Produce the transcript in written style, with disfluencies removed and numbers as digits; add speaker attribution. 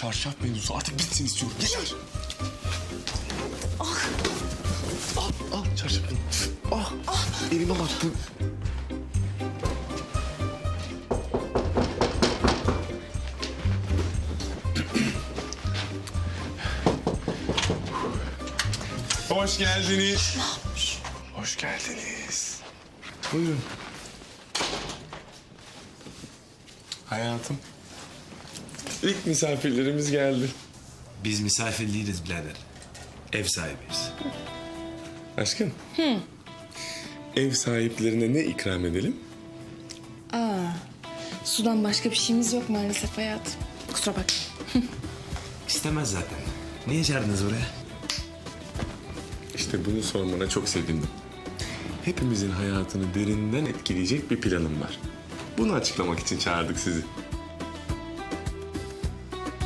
Speaker 1: çarşaf mevzusu artık bitsin istiyorum. Yeter. Al çarşafını. Elime battı. Hoş geldiniz. Hoş geldiniz. Buyurun. Hayatım. İlk misafirlerimiz geldi.
Speaker 2: Biz misafir değiliz birader. Ev sahibiyiz.
Speaker 1: Aşkım. Ev sahiplerine ne ikram edelim?
Speaker 3: Sudan başka bir şeyimiz yok maalesef hayatım. Kusura bak.
Speaker 2: İstemez zaten. Niye çağırdınız buraya?
Speaker 1: İşte bunu sormana çok sevindim. Hepimizin hayatını derinden etkileyecek bir planım var. Bunu açıklamak için çağırdık sizi.